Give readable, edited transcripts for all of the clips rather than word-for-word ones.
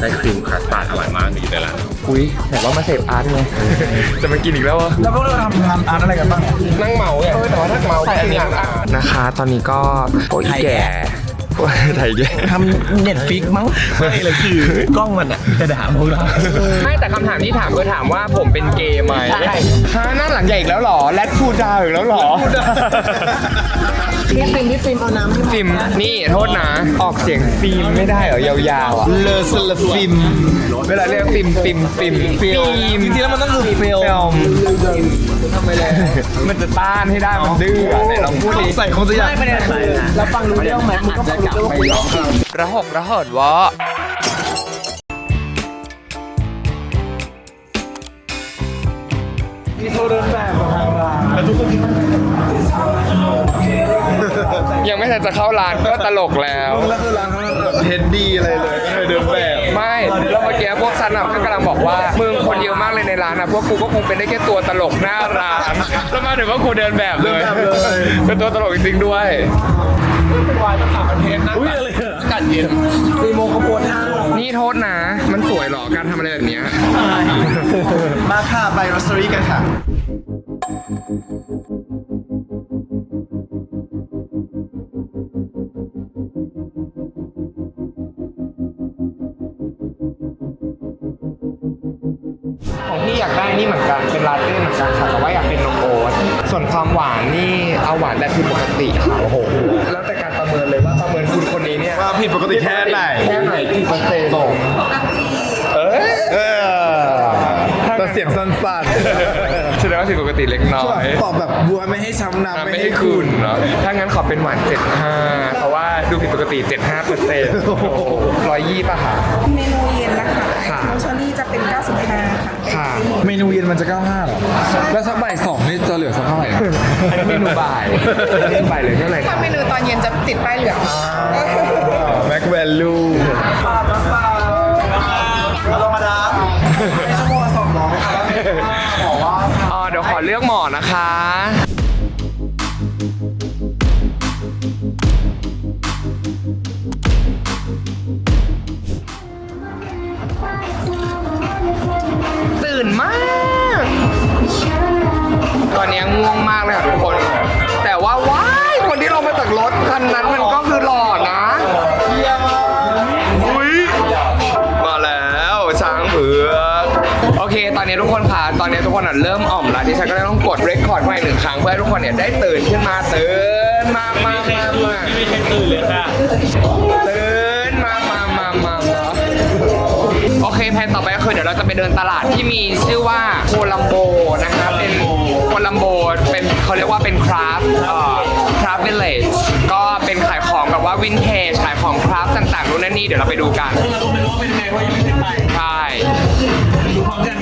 ส้ครีมคัสตาร์ดอร่อยมากอยู่ในร้านอุ้ยแต่ว่ามาเสพอาร์ตเลยจะมากินอีกแล้ววะแล้วพวกเราทำงานอาร์ตอะไรกันบ้างนั่งเมาไงแต่ว่าถ้าเมาก็คืองานอาร์ตนะคะ ตอนนี้ก็โอ้ยแก่ไทยแก่ทำเน็ตฟิกมั้งไม่เลยคือกล้องมันอะจะด่าพวกเราไม่แต่คำถามที่ถามคือถามว่าผมเป็นเกย์ไหมใช่ฮะหน้าหลังใหญ่อีกแล้วหรอแรดพูดาวอีกแล้วหรอพี่ฟิล์มเอาน้ำให้ฟิล์มนี่โทษนะ ออกเสียงฟิล์มไม่ได้เหรอยาวๆอ่ะเลอสลฟิล์มเวลาเรียกฟิล์มจริงๆแล้วมันต้องคือฟิล์มทำไมเลยมันจะต้านให้ได้มันดื้อไหนลองพูดดิใส่คงจะอยากแล้วฟังรู้เรื่องไหมมันก็ฟังรู้เรื่องระหกระเหินวะมีโทรเดินแบบกับทางร้านแล้วทุกคนยังไม่ทันจะเข้าร้านก็ตลกแล้วแล้วคือร้านเขาแบบเท็ดดี้อะไรเลยก็เลยเดินแบบไม่แล้วเมื่อกี้พวกซันก็กำลังบอกว่ามึงคนเยอะมากเลยในร้านนะพวกกูก็คงเป็นได้แค่ตัวตลกหน้าร้านแล้วมาถึงว่ากูเดินแบบเลยเป็นตัวตลกจริงๆด้วยเป็นวายมันต่างประเทศนะอากาศเย็นตีโมงขบวนห้านี่โทษนะ มันสวยเหรอการทำอะไรแบบเนี้ยมาค่ะไปรอสเตอรี่กันค่ะของพี่อยากได้นี่เหมือนกันเป็นลาเต้เหมือนกันค่ะแต่ว่าอยากเป็นนมโอ๊ตส่วนความหวานนี่เอาหวานแบบผิดปกติค่ะโอ้โหแล้วแต่การประเมินเลยว่าประเมินคุณคนนี้เนี่ยว่าผิดปกติแค่ไหนกี่เปอร์เซ็นต์แต่เสียงสั้นแสดงว่าผิดปกติเล็กน้อยๆตอบแบบบัวไม่ให้ช้ำน้ำไม่ให้คุณเนาะถ้างั้นขอเป็นหวาน 75 เพราะว่าดูผิดปกติ 75% 120ป่ะคะเมนูเย็นนะคะค่ะไอซ์เชอรี่จะเป็น 95 ค่ะค่ะเมนูเย็นมันจะ 95หรอ แล้วสักบ่าย2นี่จะเหลือสักเท่าไหร่อันนี้เมนูบ่ายเมนูบ่ายเหลยเท่าไหร่ถ้าเมนูตอนเย็นจะติดป้ายเหลืองแม็กแวลูธรรมดาชั่วโมงละ200ครับบอกว่าอ๋อเดี๋ยวขอเลือกหมอนะคะ ตื่นมาก ตอนนี้ง่วงมากเลยค่ะทุกคน แต่ว่าว้ายคนที่ลงมาจากรถคันนั้นมันก็คือหล่อนะอุ้ยมาแล้วช้างเผือกโอเค ตอนนี้ทุกคนค่ะ ตอนนี้ทุกคนเริ่มอ่อมแล้วดิฉันก็เลยต้องกดเรคคอร์ดไว้1 ครั้งเพื่อให้ทุกคนเนี่ยได้ตื่นขึ้นมาตื่นมาไม่ใช่ตื่นเลยค่ะตื่นมาโอเคแผนต่อไปก็คือเดี๋ยวเราจะไปเดินตลาดที่มีชื่อว่าโคลัมโบนะคะเป็นโคลัมโบเป็นเขาเรียกว่าเป็นคราฟวิลเลจก็เป็นขายของแบบว่าวินเทจขายของคราฟต่างๆนู่นนั่นนี่เดี๋ยวเราไปดูกันเราก็ไม่รู้ว่าเป็นไงเพราะยังไม่ได้ไปใช่ดูพร้อมกัน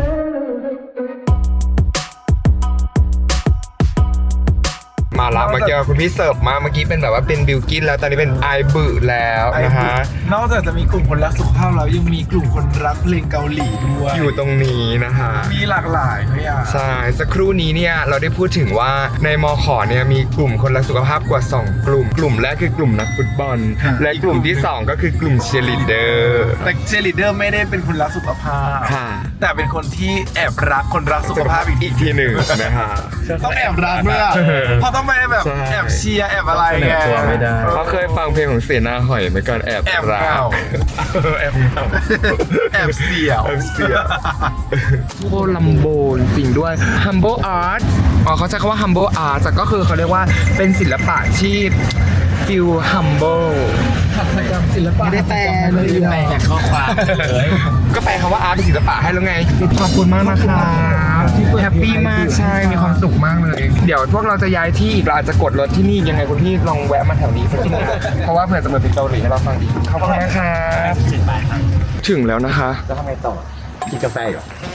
มาละเมื่อกี้คุณพี่เสิร์ฟมาเมื่อกี้เป็นแบบว่าเป็นบิลกินแล้วตอนนี้เป็นไอบึแล้วนะฮะนอกจากจะมีกลุ่มคนรักสุขภาพแล้วยังมีกลุ่มคนรักเพลงเกาหลีด้วยอยู่ตรงนี้นะฮะมีหลากหลายเลยอ่ะใช่สักครู่นี้เนี่ยเราได้พูดถึงว่าในมขเนี่ยมีกลุ่มคนรักสุขภาพกว่า2 กลุ่มแรกคือกลุ่มนักฟุตบอล และกลุ่มที่ 2 ก็คือกลุ่มเชียร์ลีดเดอร์แต่เชลิเดอร์ไม่ได้เป็นคนรักสุขภาพค่ะแต่เป็นคนที่แอบรักคนรักสุขภาพอีกทีหนึ่งนะฮะต้องแอบรักด้วยอ่ะเพราะต้องไม่แบบใช่แอบเชียร์แอบอะไรไงเขาเคยฟังเพลงของเสนาหอยไหมก่อนแอบแอบรักเงาแอบเงาแอบเสียวแอบเสียว โคลัมโบจริงด้วย Humble Art อ๋อเขาใช้คำว่า Humble Art แต่ก็คือเขาเรียกว่าเป็นศิลปะที่ฟิล humble ศิลปะไม่ได้แปลเลยแปลจากข้อความก็แปลคำว่าอาร์ตเป็นศิลปะให้แล้วไง ขอบคุณมากนะคะแฮปปี้มากใช่ มีความสุขมากเลย เดี๋ยวพวกเราจะย้ายที่อีกเราอาจจะกดรถที่นี่ยังไงคุณพี่ลองแวะมาแถวนี้สักทีนะเพราะว่าเผื่อจะมาเป็นเกาหลีให้เราฟังอีกขอบคุณนะครับถึงแล้วนะคะแล้วทำไงต่อกินกาแฟอยู่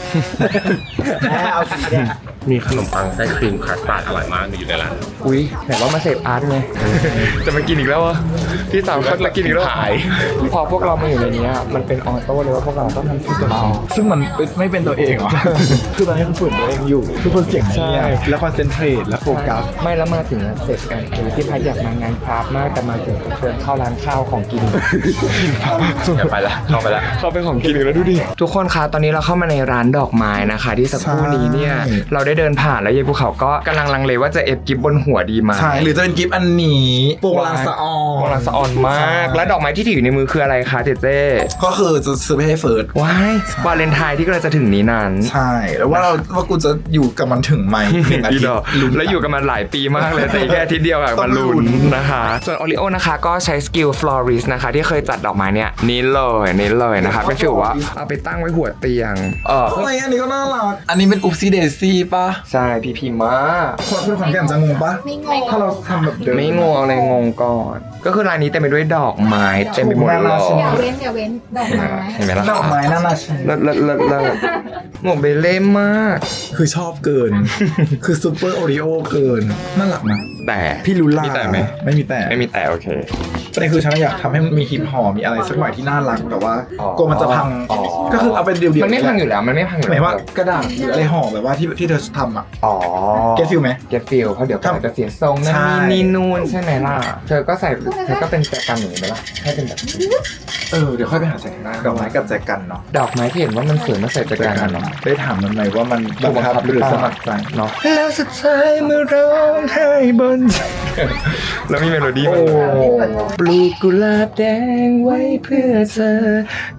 เอาสิเนี่ยมีขนมปังไส้ครีมคัสตาร์ดอร่อยมากอยู่ในร้านอุ้ยไหนว่ามาเสพอาร์ตไง จะมากินอีกแล้วเหรอพี่สาวเขาจะกินอีกแล้วเหรอพอพวกเรามาอยู่ในนี้มันเป็นออโต้เลยว่าพวกเราต้องทำทุกอย่างซึ่งมันไม่เป็นตัวเองหรอ คือตอนนี้คือฝืนตัวเองอยู่ทุกคนเสียงเงียบแล้วคอนเซนเทรตและโฟกัสไม่แล้วมาถึงเสร็จกันคือที่พักอยากมางานคราฟต์มากแต่มาถึงเดินเข้าร้านข้าวของกินอย่าไปละเข้าไปละเข้าไปของกินอีกแล้วดูดิทุกคนคะตอนนี้เราเข้ามาในร้านดอกไม้นะคะ ที่สักครู่นี้เนี่ยเราได้เดินผ่านแล้วยายภูเขาก็กำลังลังเลว่าจะเอฟกิฟบนหัวดีไหมใช่หรือจะเป็นกิฟต์อันนี้โปรงลางสะออนโปรงลางสะออนมากและดอกไม้ที่ถืออยู่ในมือคืออะไรคะเจเจก็คือจะซื้อไปให้เฟิร์สว้ายวาเลนไทน์ที่กำลังจะถึงนี้นั้นใช่แล้วว่ากูจะอยู่กับมันถึงไหม1 อาทิตดย์อกแล้วอยู่กันมาหลายปีมากเลยแต่อีกแค่อาทิตย์เดียวอะต้มาองลุ้ลุ้นนนะคะ ส่วนโอริโอนะคะก็ใช้สกิลฟลอริสนะคะที่เคยจัดดอกไม้เนี่ยนี่เลยนะคะเป็นฟีลว่าเอาไปตั้งไว้หัวเตียงอะไรอันนี้ก็น่ารักอันนี้เป็นอุปซี่เดซี่ป่ะใช่พีมากคนขอนแก่นจะงงป่ะไม่งงถ้าเราทำแบบเดิมไม่งงอะไรงงก่อน ก็คือร้านนี้เต็มไปด้วยดอกไม้เต็มไปหมดเลยอย่าเว้นดอกไม้เห็นไหมล่ะดอกไม้น่ารักเลิศหมวกเบลเล่มากคือชอบเกิน คือซูเปอร์โอริโอเกินน่ารักนะแต่พี่ลูล่ามีแต่ไหมไม่มีแต่ไม่มีแต่โอเคประเด็นคือฉันอยากทำให้มันมีฮิปฮอปมีอะไรสักหน่อยที่น่ารักแต่ว่ากลัวมันจะพังอ๋อก็คือเอาเป็นเดียวๆมันไม่พังอยู่แล้วมันไม่พังอยู่หมายแล้วว่ากระดาษหรืออะไรห่อแบบว่าที่เธอทำอ่ะอ๋อเก็ตฟิลไหมเก็ตฟิลเพราะเดี๋ยวอาจจะเสียทรงนั่นใช่นี่นู่นใช่ไหมล่ะเธอก็เป็นแจกันอย่างนี้ไหมล่ะให้เป็นแบบเดี๋ยวค่อยไปหาแจกันดอกไม้กับแจกันเนาะดอกไม้ที่เห็นว่ามันสวยมาใส่แจกันกันเนาะได้ถามมันไหมว่ามันบังคับหรือสมัครใจเนาะแล้วสุดท้ายเมื่อร้องไห้บนแล้วมีเมโลดี้มันปลูกกุหลาบแดงไว้เพื่อเธอ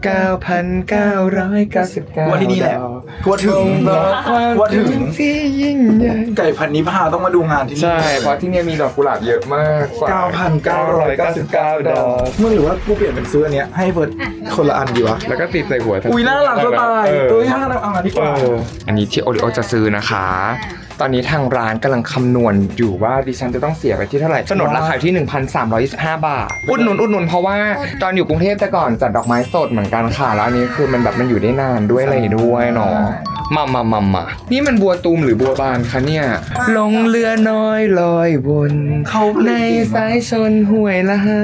9,999 ว่าที่นี่แหละว่าถึงบอกความว่าถึงที่ยิ่งใหญ่ไก่พันนิพาต้องมาดูงานที่นี่ใช่เพราะที่เนี่ยมีดอกกุหลาบเยอะมากกว่า 9,999 ดอกมึงหรือว่ากูเปลี่ยนเป็นซื้ออันเนี้ยให้เฟิร์สคนละอันดีวะแล้วก็ติดใส่หัวอุ้ยน่ารักจะตายน่ารักเอาอันนี้ก่อนอันนี้ที่โอริโอจะซื้อนะคะ ตอนนี้ทางร้านกำลังคำนวณอยู่ว่าดิฉันจะต้องเสียไปที่เท่าไหร่สนนราคาที่ 1,325 บาท อุดหนุนเพราะว่าตอนอยู่กรุงเทพแต่ก่อนจัดดอกไม้สดเหมือนกันค่ะ แล้วอันนี้คือมันแบบมันอยู่ได้นานด้วยอะไรด้วยเนาะมานี่มันบัวตูมหรือบัวบานคะเนี่ย ลงเรือน้อยลอยวนในสายชนห้วยละหา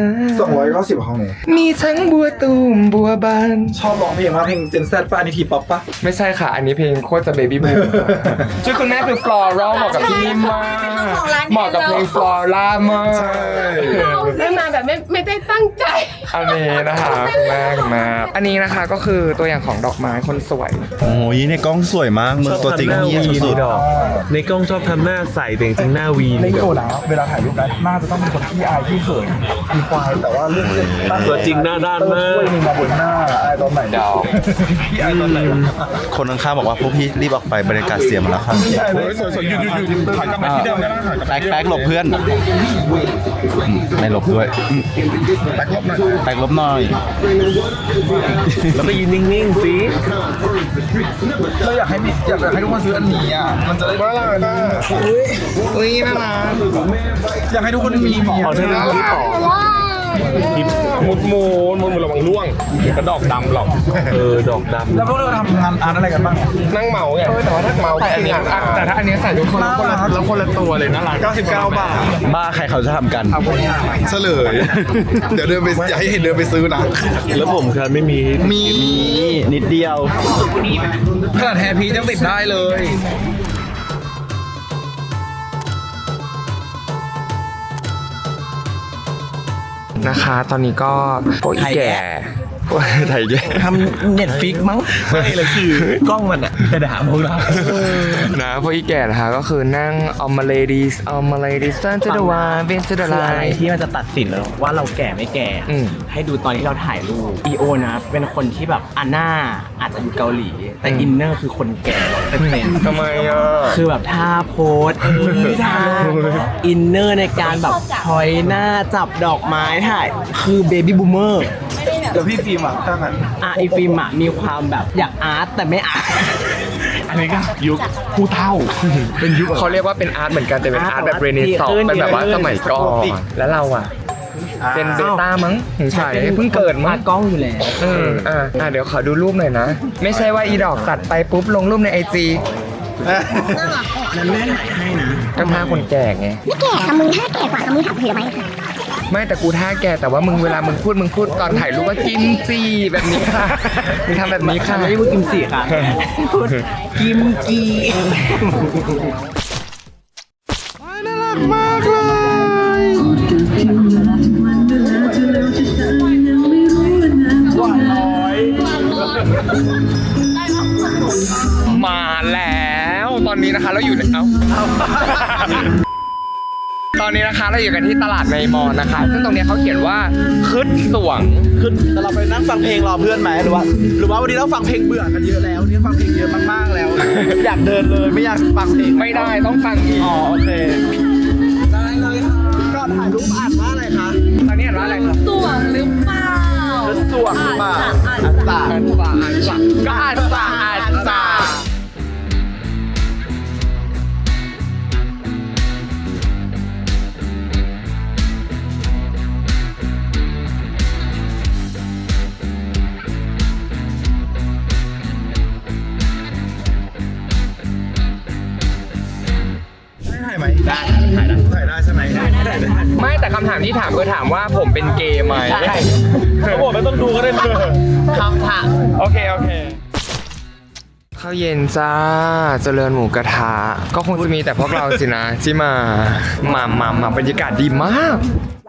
290ของหนูมีทั้งบัวตูมบัวบานชอบร้องเพลงมากเพลงเจนแซดป่ะอันนี้ทีป๊อปป่ะไม่ใช่ค่ะ อันนี้เพลงโคตรจะเบบี้บูมชื่อคุณแม่คือฟลอรัลเหมาะกับที่นี่มากเหมาะกับเพลงฟลอร่ามากได้มาแบบไม่ได้ตั้งใจอันนี้นะคะคุณแม่อันนี้นะคะก็คือตัวอย่างของดอกไม้คนสวยโอ้ยในกล้องสวยมากมึงตัวจริงเฮียสุดในกล้องชอบทำหน้าใสแต่จริงๆหน้าวีในนี่โอแบบแล้วเวลาถ่ายรูปนั้นน่าจะต้องเป็นคนที่อายที่เขินมีควายแต่ว่าเรื่องตั้งตัวจริงหน้าด้านมากช่วยมึงมาบนหน้าอายตอนไหนดาวพี่อายตอนไหนๆคนข้างๆบอกว่าพวกพี่รีบออกไปบรรยากาศเสียหมดแล้วครับสวยๆหยุดถ่ายกลับมาที่เดิมได้ไหมถ่ายกลับแป๊กหลบเพื่อนไม่หลบด้วยแบ็คลบหน่อยแป๊กหลบหน่อยแล้วก็ยืนนิ่งๆสิเราอยากให้ทุกคนซื้ออันนี้อ่ะมันจะได้น่ารักนะอุ้ยน่ารักอยากให้ทุกคนมีขอเธอนะรีบต่อมุดระวังล่วงกระดอกดำหรอกดอกดำแล้วพวกเราทำงานอาร์ตอะไรกันบ้างนั่งเมาไงแต่ว่าถ้าเมาแต่อันนี้แต่ถ้าอันนี้ใส่ทุกคนแล้วคนละตัวเลยน่ารัก 99 บาทบ้าใครเขาจะทำกันเฉลย เดี๋ยวเดินไปอยากให้เห็นเดินไปซื้อนะแล้วผมครับไม่มีมีนิดเดียวขนาดแฮร์พียังติดได้เลยนะคะ ตอนนี้ก็พวกอีแก่พวกไทยแก่ทำเน็ตฟิกมั้งไม่เลยคือกล้องมันอะจะด่าพวกเรานะพวกอีแก่นะคะก็คือนั่งเอามา ladies turn to the one bend to the คืออะไร line ที่มันจะตัดสินแล้วว่าเราแก่ไม่แก่อืมให้ดูตอนที่เราถ่ายรูปอีโอนะเป็นคนที่แบบอันหน้าอาจจะอยู่เกาหลี แต่อินเนอร์คือคนแก่เป็นทำไมอ่ะคือแบบท่าโพสท่าอินเนอร์ในการแบบพอยหน้าจับดอกไม้ถ่ายคือเบบี้บูมเมอร์เดี๋ยวพี่ฟิล์มอ่ะถ้างั้นไอฟิล์มอะมีความแบบอยากอาร์ตแต่ไม่อาร์ตอันนี้ก็ยุคผู้เท่าเป็นยุคเขาเรียกว่าเป็นอาร์ตเหมือนกันแต่เป็นอาร์ตแบบเรเนซองส์เป็นแบบว่าสมัยก่อนแล้วเราอ่ะเป็นเบต้ามั้งถึงฉายเพิ่งเกิดมั้งกล้องอยู่แล้วเดี๋ยวขอดูรูปหน่อยนะ ไม่ใช่ว่าอีดอกตัดไปปุ๊บลงรูปในไอจีนั้นแม่ถ่ายให้นะก็ท่าคนแก่ไงไม่แก่ค่ะมึงถ้าแก่กว่ามึงถามเห็นไหมไม่แต่กูท่าแก่แต่ว่ามึงเวลามึงพูดตอนถ่ายรูปว่ากิมจีแบบนี้ค่ะมึงทำแบบนี้ค่ะไม่ได้พูดกิมจิค่ะพูดกิมจีมาแล้วตอนนี้นะคะเราอยู่ในตอนนี้นะคะเราอยู่กันที่ตลาดในมอนะคะ ซึ่งตรงเนี้ยเขาเขียนว่าคึดสวงคือแต่เราไปนั่งฟังเพลงรอเพื่อนไหมหรือว่าวันนี้เราฟังเพลงเบื่อกันเยอะแล้วนี่ฟังเพลงเยอะมากๆแล้ว อยากเดินเลยไม่อยากฟังเพลงไม่ได้ต้องฟังอีกอ๋อโอเคได้เลยก็ถ่ายรูปอ่านว่าอะไรคะตอนนี้อ่านว่าอะไรครับสวงหรือเปล่าสวงมาอ่านสาอ่านสาก็อ่านสาถ่ายไหมได้ถ่ายได้ใช่ไหมได้ไม่แต่คำถามที่ถามคือถามว่าผมเป็นเกย์ไหมเขาบอกไม่ต้องดูก็ได้คำถามโอเคข้าวเย็นจ้าเจริญหมูกระทะก็คงจะมีแต่พวกเราสินะที่มาบรรยากาศดีมาก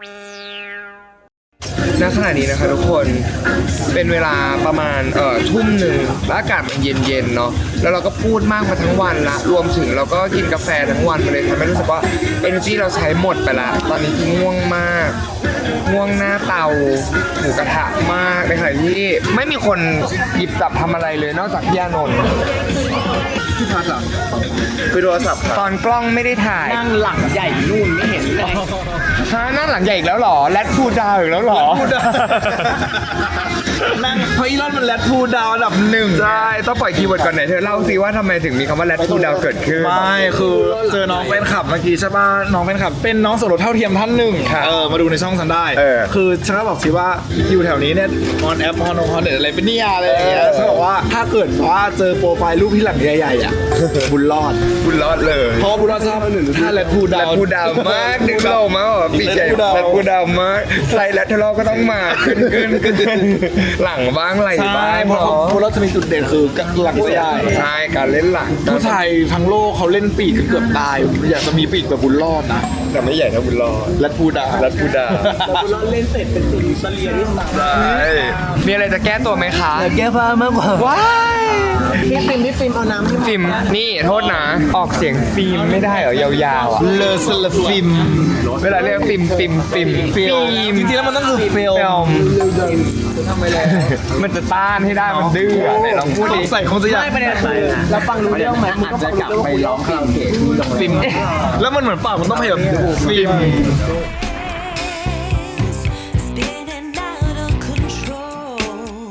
ณขณะนี้นะคะทุกคนเป็นเวลาประมาณทุ่มหนึ่งแล้วอากาศมันเย็นๆเนาะแล้วเราก็พูดมากมาทั้งวันละรวมถึงเราก็กินกาแฟทั้งวันมาเลยทำให้รู้สึกว่า energy เราใช้หมดไปละตอนนี้คือง่วงมากง่วงหน้าเตาหมูกระทะมากในขณะที่ไม่มีคนหยิบจับทำอะไรเลยนอกจากพี่อานนท์ที่พักเหรอคือโทรศัพท์ตอนกล้องไม่ได้ถ่ายนั่งหลังใหญ่นู่นไม่เห็นเลยฮะนั่งหลังใหญ่อีกแล้วเหรอแรดพูดาวอีกแล้วเหรอนั่งเพราะอีลอนมันแรดพูดาวอันดับหนึ่งใช่ต้องปล่อยคีย์เวิร์ดก่อนไหนเธอเล่าสิว่าทำไมถึงมีคำว่าแรดพูดาวเกิดขึ้นไม่คือเจอน้องแฟนคลับเมื่อกี้ใช่ป่ะน้องแฟนคลับเป็นน้องสมรสเท่าเทียมท่านหนึ่งมาดูในช่องฉันได้คือฉันก็บอกสิว่าอยู่แถวนี้เนี่ยออนแอปฮอนเน็ตอะไรเป็นเนี่ยอะไรอย่างเงี้ยฉันบอกว่าถ้าเกิดว่าเจอโปรไฟล์รูปที่หลังใหญ่ๆอ่ะบุญรอดบุญรอดเลยเพราะบุญรอดชอบถ้าแรดพูดาวแรดพูดาวมากดึงเรามาแบบปีใหญ่แรดพูดาวมากใส่แรดทะเลาะก็ต้องมาขึ้นหลังบ้างไหลใช่บ้างเพราะบุญรอดจะมีจุดเด่นคือหลังใหญ่ใช่การเล่นหลังผู้ชายทั้งโลกเขาเล่นปีกกันเกือบตายอยากจะมีปีกแบบบุญรอดนะแต่ไม่ใหญ่เท่าบุญรอดแรดพูดาวแรดพูดาวบุญรอดเล่นเสร็จเป็นตุลิสเลียนิสตาใช่มีอะไรจะแก้ตัวไหมคะแก้ผ้ามากกว่าว้ายพี่ฟิล์มเอาน้ำให้ฟิล์มนี่โทษนะออกเสียงฟิล์มไม่ได้เหรอยาวๆอ่ะเลอสลาฟิมเวลาเรียกฟิล์มจริงๆแล้วมันต้องคือเฟลทำไมเลยมันจะต้านให้ได้มันดื้ออะไหนลองพูดดิใส่คงจะอยากไม่ประเด็นคือเราฟังรู้เรื่องไหมอาจจะกลับไปร้องคาราโอเกะที่โรงแรมฟิมแล้วมันเหมือนปากมันต้องพยายามฟิม Spinning out of control.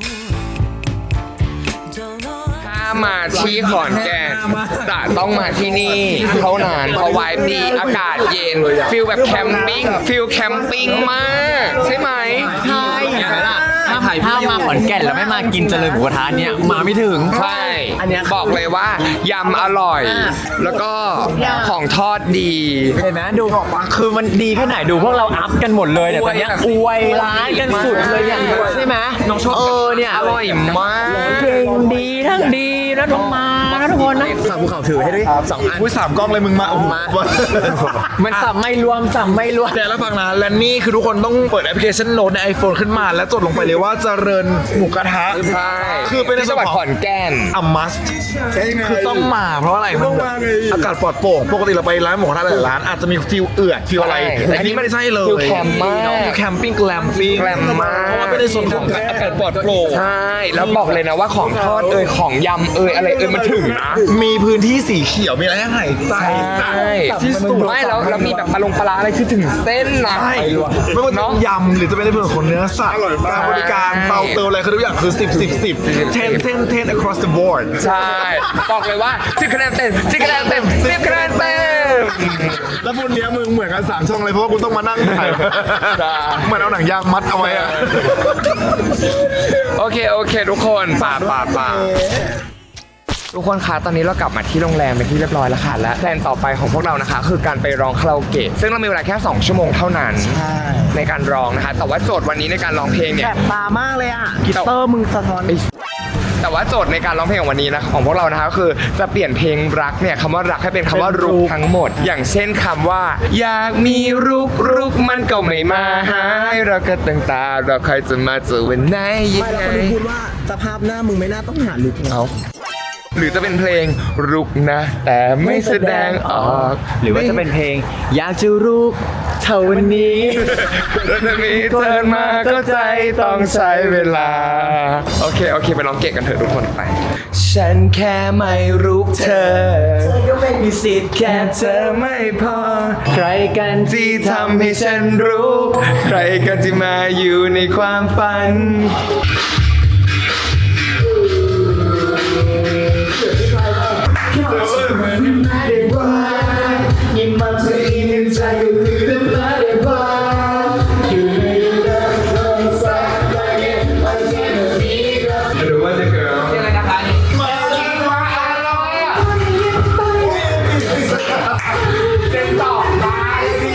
Don't know. ถ้ามาที่ขอนแก่นจะต้องมาที่นี่เท่านั้นเพราะไวบ์ดีอากาศเย็นฟิลแบบแคมปิ้งมากใช่ไหมใช่ถ้ามาขอนแก่นแล้วไม่มากินเจริญหมูกระทะเนี่ยมาไม่ถึงใช่อันนี้บอกเลยว่ายำอร่อย แล้วก็ของทอดดีเห็นไหมดูคือมันดีแค่ไหนดูพวกเราอัพกันหมดเลยเนี่ยตอนเนี้ยอวยร้านกันสุดเลยอย่างใช่ไหมน้องชอบเนี่ยอร่อยมากเพลงดีทั้งดีนะน้องมานะทุกคนนะฝากภูเขาถือให้ด้วย2 อันอุ้ย3 กล้องเลยมึงมาโอ้โหมันสับไม่รวมแต่แล้วฟังนะและนี่คือทุกคนต้องเปิดแอปพลิเคชันโน้ตใน iPhone ขึ้นมาแล้วจดลงไปเลยว่าเจริญหมูกระทะใช่คือเป็นในที่จังหวัดขอนแก่น a must คือต้องมาเพราะอะไรมันแบบอากาศปลอดโปร่งปกติเราไปร้านหมูกระทะหลายร้านอาจจะมีฟิลเอือดฟิลอะไรใช่อันนี้ไม่ได้ใช่เลยฟิลแคมป์มากฟิลแคมปิ้งแกลมปิ้งแกลมมากเพราะว่าเป็นในส่วนของอากาศปลอดโปร่งใช่แล้วบอกเลยนะว่าของทอดของยำอะไรมันถึงนะมีพื้นที่สีเขียวมีอะไรให้หายใจใช่ที่สุดไม่แล้วมีแบบปลาร้าอะไรคือถึงเส้นนะใช่ไม่ว่าจะเป็นยำหรือจะเป็นในเรื่องของเนื้อสัตว์การบริการเตาเติมอะไรคือทุกอย่างคือ10 across the board ใช่ บอกเลยว่า10คะแนนเต็ม10คะแนนเต็ม10คะแนนเต็มแล้วพวกเนี้ยมึงเหมือนกัน3ช่องเลยเพราะว่ากูต้องมานั่งถ่ายเหมือนเอาหนังยางมัดเอาไว้อะโอเคทุกคนป่าทุกคนคะตอนนี้เรากลับมาที่โรงแรมเป็นที่เรียบร้อยแล้วค่ะและแพลนต่อไปของพวกเรานะคะคือการไปร้องคาราโอเกะซึ่งเรามีเวลาแค่2ชั่วโมงเท่านั้นในการร้องนะคะแต่ว่าโจทย์วันนี้ในการร้องเพลงเนี่ยแสบตามากเลยอ่ะกีตาร์มึงสะท้อนแต่ว่าโจทย์ในการร้องเพลงของวันนี้นะของพวกเรานะคะก็คือจะเปลี่ยนเพลงรักเนี่ยคำว่ารักให้เป็นคำว่ารุกทั้งหมด อย่างเช่นคำว่า อยากมีรุกมันก็ไม่มาหายเราก็ตั้งตาเราใครจะมาเจอวันไหนยัไม่งแล้วไงคนพูดว่าสภาพหน้ามึงไม่น่าต้องหาลุกนะเอาหรือจะเป็นเพลงรุกนะ แต่ไม่แสดงออกหรือว่าจะเป็นเพลงอยากจะรุกเท่าวันนี้แล้วจะมีเธอมาก็ใจต้องใช้เวลาโอเคไปร้องเกะกันเถอะทุกคนไป ฉันแค่ไม่รุกเธอก็ไม่มีสิทธิ์แค่เธอไม่พอ ใครกันที่ทำให้ฉันรู้ ใครกันที่มาอยู่ในความฝัน หรือว่าจะเกิดอะไรนะคะมาอร่อยอ่ะเต็มต่อไปสิ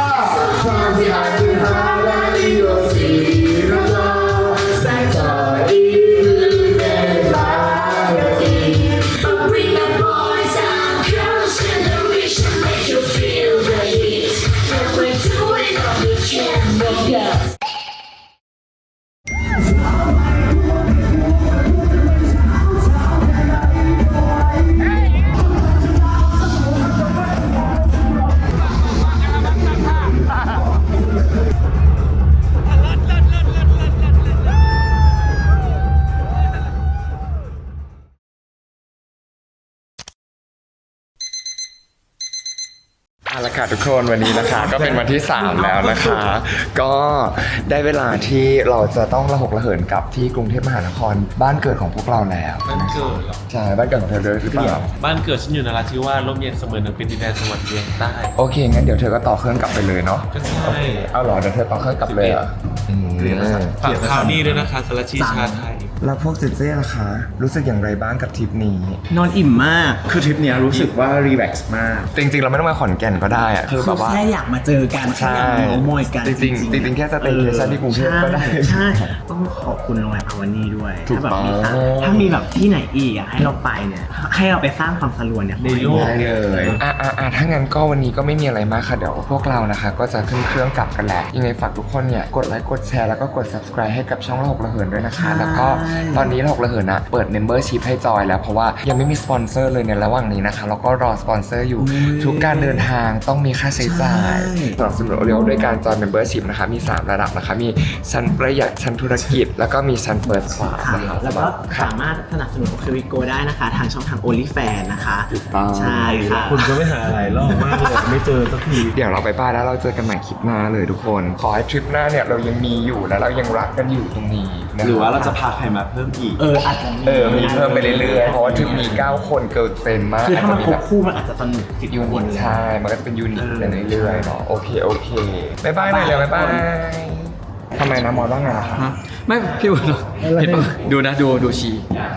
เอาละค่ะทุกคนวันนี้นะคะ ก็เป็นวันที่ 3 แล้วนะคะ ก็ได้เวลาที่เราจะต้องระหกระเหินกลับที่กรุงเทพมหานครบ้านเกิดของพวกเราแล้วบ้านเกิดเหรอใช่บ้านเกิดของเธอด้วยหรือเปล่าบ้านเกิดฉันอยู่นราธิวาสร่มเย็นเสมอหนึ่งเป็นดินแดนสวรรค์เวียงใต้โอเคงั้นเดี๋ยวเธอก็ต่อเครื่องกลับไปเลยเนาะก็ใช่เอาเหรอเดี๋ยวเธอต่อเครื่องกลับเลยเหรออืมฝากข่าวนี้ด้วยนะคะสารชีชาไทยแล้วพวกเจเจ๊ล่ะคะรู้สึกอย่างไรบ้างกับทริปนี้นอนอิ่มมากคือทริปเนี้ยรู้สึกว่ารีแลกซ์มากจริงๆเราไม่ต้องมาขอนแก่นก็ได้อะคือแบบว่าแค่อยากมาเจอกันแค่ใช่อยากมาโมยกันจริงๆจริงๆแค่สเตย์เคชั่นที่กรุงเทพก็ได้ใช่ต้องขอบคุณโรงแรมอาวานีด้วยถูกถ้าแบบต้องถ้ามีแบบที่ไหนอีกอ่ะให้เราไปเนี่ยให้เราไปสร้างความสลวนเนี่ยในโลกได้เลยถ้างั้นก็วันนี้ก็ไม่มีอะไรมากค่ะเดี๋ยวพวกเรานะคะก็จะขึ้นเครื่องกลับกันแหละยังไงฝากทุกคนเนี่ยกดไลค์กดแชร์แล้วก็กด subscribe ให้กับช่องระหกระเหินด้วยนะคะแล้วก็ตอนนี้ระหกระเหินนะเปิด membership ให้จอยแล้วเพราะว่ายังไม่มีสปอนเซอร์เลยในระหว่างนี้นะคะแล้วก็รอสปอนเซอร์อยู่ทุกการเดินทางต้องมีค่าใช้จ่ายสนับสนุนเร็วด้วยการจอย membership นะคะมี3ระดับนะคะมีชั้นประหยัดชั้นธุรกิจแล้วก็มีชั้น first class ค่ะนะคะแล้วก็สามารถสนับสนุนโอเควิโกได้นะคะ ทางช่องทาง OnlyFans นะคะถูกต้องใช่ค่ะคุณก็ไม่หาหลายรอบมากเลยไม่เจอสักทีเดี๋ยวเราไปบ้านแล้วเราเจอกันใหม่คลิปหน้าเลยทุกคน ขอให้ทริปหน้าเนี่ยเรายังมีอยู่และเรายังรักกันอยู่ตรงนี้นะหรือว่าเราจะพาใครมาเพิ่มอีกอาจจะมีเพิ่มไปเรื่อยๆเพราะว่าทริปนี้9 คนเกิดเต็มมากคือถ้ามันจครจะบคู่มันอาจจะสนุกสิบยูคนินตเลยใช่มันก็จะเป็นยูนิตไปเรื่อยๆเนาะโอเคบ๊ายบายหน่อยเร็วบ๊ายบายทำไมนะมอสว่าไงล่ะคะไม่พี่บุญเห็นปะดูนะดูชี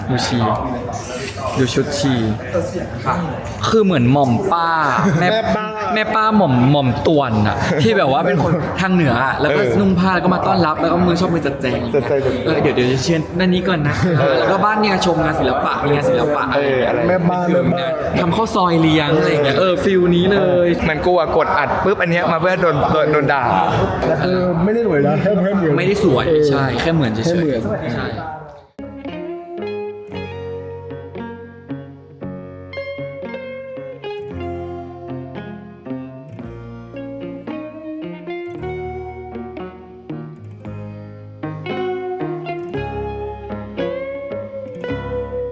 ดูชุดชีคือเหมือนหม่อมป้าแม่ป้าหม่อมตวนอะที่แบบว่าเป็นคนทางเหนืออะแล้วก็นุ่งผ้าแล้วก็มาต้อนรับแล้วก็มือชอบมือจัดแจงเดี๋ยวจะเชิญด้านนี้ก่อนนะแล้วก็บ้านเนี่ยชมงานศิลปะมีงานศิลปะอะไรแม่บ้านทำข้าวซอยเลี้ยงอะไรอย่างเงี้ยฟิลนี้เลยมันกูอะกดอัดปุ๊บอันเนี้ยมาเพื่อโดนด่าไม่ได้หน่วยนะแค่เดียวไม่ได้สวยใช่แค่เหมือนเฉยๆใช่